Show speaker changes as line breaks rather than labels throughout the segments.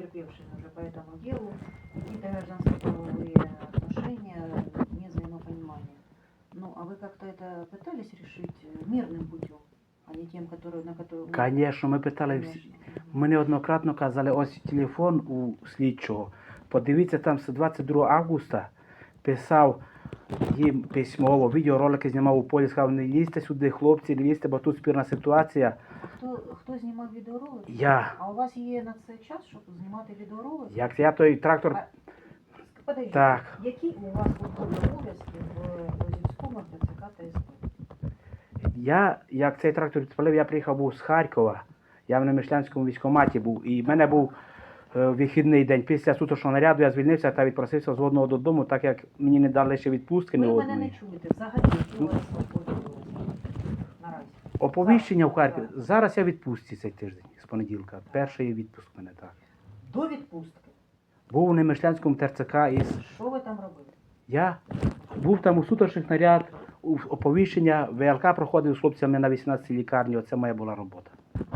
потерпевшими уже по этому делу, какие-то гражданско-правовые отношения, не взаимопонимания. Ну, а вы как-то это пытались решить мирным путем, а не тем, который, на который...
Звісно, ми питали всі. Ми неоднократно казали, ось телефон у слідчого. Подивіться, там з 22 августа писав їм письмово, відеоролики знімав у полі, сказав, не лізьте сюди, хлопці, не лізьте, бо тут спірна ситуація.
А хто знімав відеоролики?
Я.
А у вас є на це час, щоб знімати відеоролики?
Як я той трактор...
Подождіть,
Так.
які у вас службові обов'язки в Лозівському ТЦК та СП?
Я, як цей трактор відпалив, я приїхав був з Харкова, я в Немишлянському військкоматі був, і в мене був вихідний день. Після суточного наряду я звільнився та відпросився з одного додому, так як мені не дали ще відпустки не
Ви мене не
одної.
чуєте, взагалі, які у вас службові обов'язки наразі?
Оповіщення в Харкові.
Так.
Зараз я в відпустці цей тиждень, з понеділка. Перший відпуск в мене, так.
До відпустки.
Був у Немишлянському ТРЦК із...
Що ви там робили?
Я був там у суточних наряд, у оповіщення, ВЛК проходив з хлопцями на 18 лікарні, оце моя була робота.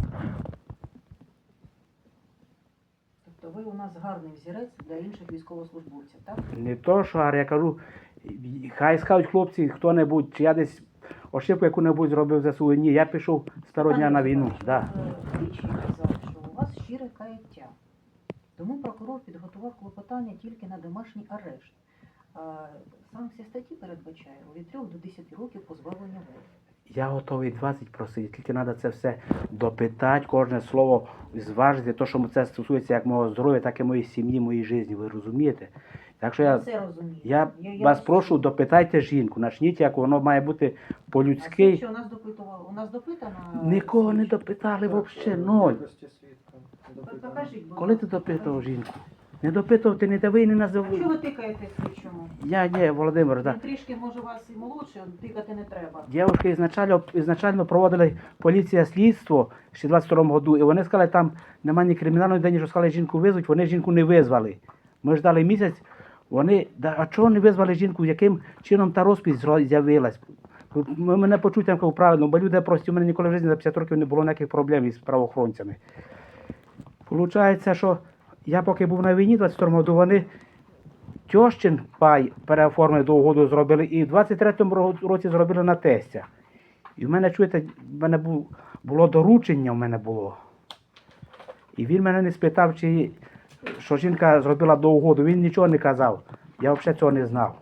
Тобто ви у нас гарний взірець для інших військовослужбовців, так?
Не то, що я кажу, хай скажуть хлопці, хто-небудь, чи я десь ошибку яку-небудь зробив за свою. Ні, я пішов з того дня на війну. Да.
Слідчий казав, що у вас щире каяття. Тому прокурор підготував клопотання тільки на домашній арешт. Санкція статті передбачає від 3 до 10 років позбавлення волі.
Я готовий 20 просити, тільки треба це все допитати, кожне слово зважити, то, що це стосується як мого здоров'я, так і моєї сім'ї, моєї житті, ви розумієте? Так що
Це розумію.
я вас прошу, допитайте жінку, начніть, як воно має бути по-людськи.
Що у нас допитували? У нас допитано...
Нікого не допитали взагалі, ноль.
Покажіть, будь
Коли ти
ласка,
допитував
покажіть.
жінку? Не допитував, ти не дави і не
А
називай.
чого ви тикаєте слідчому?
Я, Володимир,
Він
так.
трішки, може, вас і молодше, тикати не треба.
Дівчатки ізначально проводили поліція слідство ще в 22-му году, і вони сказали, там немає ні кримінальної дені, що сказали, жінку визвуть, вони жінку не визвали. Ми ждали місяць, вони, а чого не визвали жінку, яким чином та розпись з'явилась? Мене почуть там кажу, правильно, бо люди прості, у мене ніколи в житті за 50 років не було ніяких проблем із правоохоронцями. Получається, що я поки був на війні, в 22-му году, вони тьощин пай переоформили до угоду зробили, і в 23-му році зробили на тестя. І в мене, чуєте, в мене було доручення, в мене було. І він мене не спитав, що жінка зробила до угоду, він нічого не казав. Я взагалі цього не знав.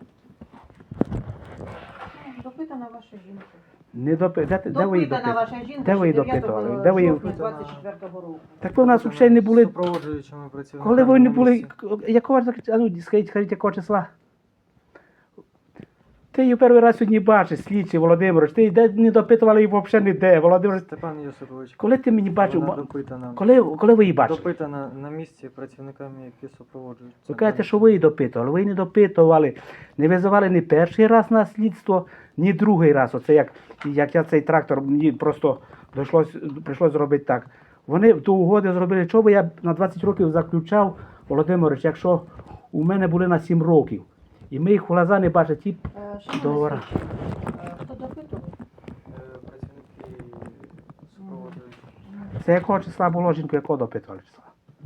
Допитана ваша жінка.
Не де ви її
Допитана
допитували?
ваша жінка
Де ви її
9
допитували? Де ви її...
жовтня 24-го року.
Так ви в нас взагалі не були...
Супроводжуючими працівниками.
Коли ви не
на
були...
місці.
Якого, а ну, скажіть, якого числа? Ти її перший раз сьогодні бачиш, слідчий Володимирович. Ти не допитували її взагалі ніде, Володимирович.
Степан Йосипович,
Коли ти мені бачив,
вона допитана.
коли ви її бачили?
Допитана на місці працівниками, які супроводжують.
Ви кажете, що ви її допитували. Ви її не допитували. Не визивали ні перший раз на слідство, ні другий раз. Оце як я цей трактор, мені просто прийшлось зробити так. Вони до угоди зробили, що би я на 20 років заключав, Володимирович, якщо у мене були на 7 років. І ми їх в глаза не бачили, ті договори.
Хто допитував?
Працівники супроводжують.
Це якого числа було, жінку, якого допитували числа?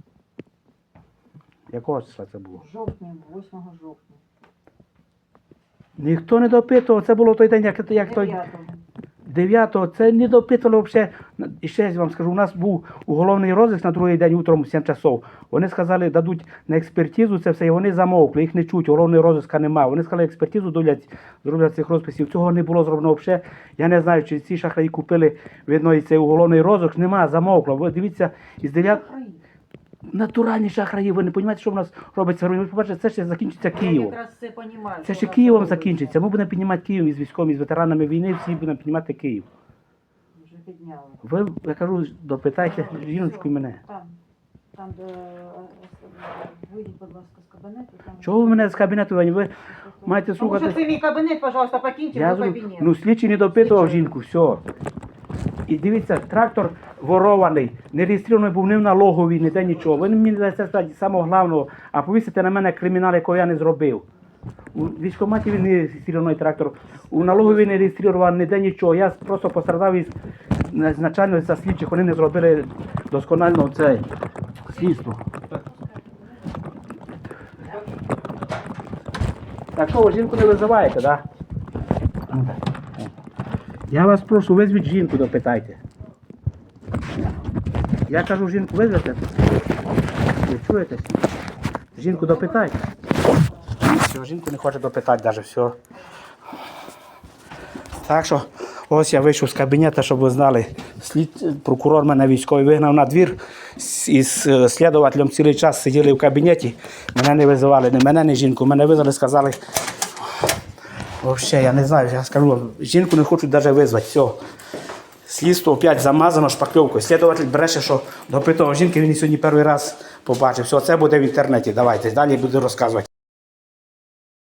Якого числа це було?
Жовтня, 8 жовтня.
Ніхто не допитував, це було той день, як той... 9-го, це не допитували взагалі. І ще я вам скажу, у нас був уголовний розиск на другий день утром в 7 часов. Вони сказали, дадуть на експертизу це все, і вони замовкли, їх не чуть, уголовного розиска немає. Вони сказали, експертизу зроблять цих розписів. Цього не було зроблено взагалі. Я не знаю, чи ці шахраї купили, видно, і цей уголовний розиск. Немає, замовкло. Ви дивіться, із 9... Натуральні шахраї, ви не розумієте, що в нас робиться. Ви побачите, це ще закінчиться Києвом.
Я якраз це розумію.
Це ще Києвом закінчиться. Ми будемо піднімати Київ із військовими, із ветеранами війни, всі будемо піднімати Київ.
Вже підняли.
Ви, я кажу, допитайте жіночку і мене.
Там, де вийдіть, будь ласка, з кабінету.
Чого ви мене з кабінету? Ви маєте
Тому що
слухати?
це мій кабінет, пожалуйста, покиньте
Я
мій
зру...
кабінет.
Ну, слідчий не допитував
Слідчий.
жінку, все. І дивіться, трактор ворований, не реєстрований був ні в налоговій, ніде нічого. Ви мені даєте сказати самого головного, а повісите на мене кримінал, якого я не зробив. У військкоматі він не реєстрований трактор, у налоговій не реєстрований, ніде нічого. Я просто пострадав із начальника слідчих, вони не зробили досконально це слідство. Так що ви жінку не визиваєте, так? Да? Я вас прошу, визвіть жінку, допитайте. Я кажу, жінку визвете? Ви чуєте? Жінку допитайте. Все, жінку не хоче допитати навіть, все. Так що, ось я вийшов з кабінету, щоб ви знали. Прокурор мене військовий вигнав на двір. Із слідувателем цілий час сиділи в кабінеті. Мене не визивали, ні мене, ні жінку. Мене визвали, сказали, взагалі, я не знаю, я скажу, жінку не хочуть навіть визвати, все. Слідство опять замазано шпакльовкою. Слідуватель бреше, що допитував жінки, він її сьогодні перший раз побачив. Все, це буде в інтернеті, давайте, далі буду розказувати.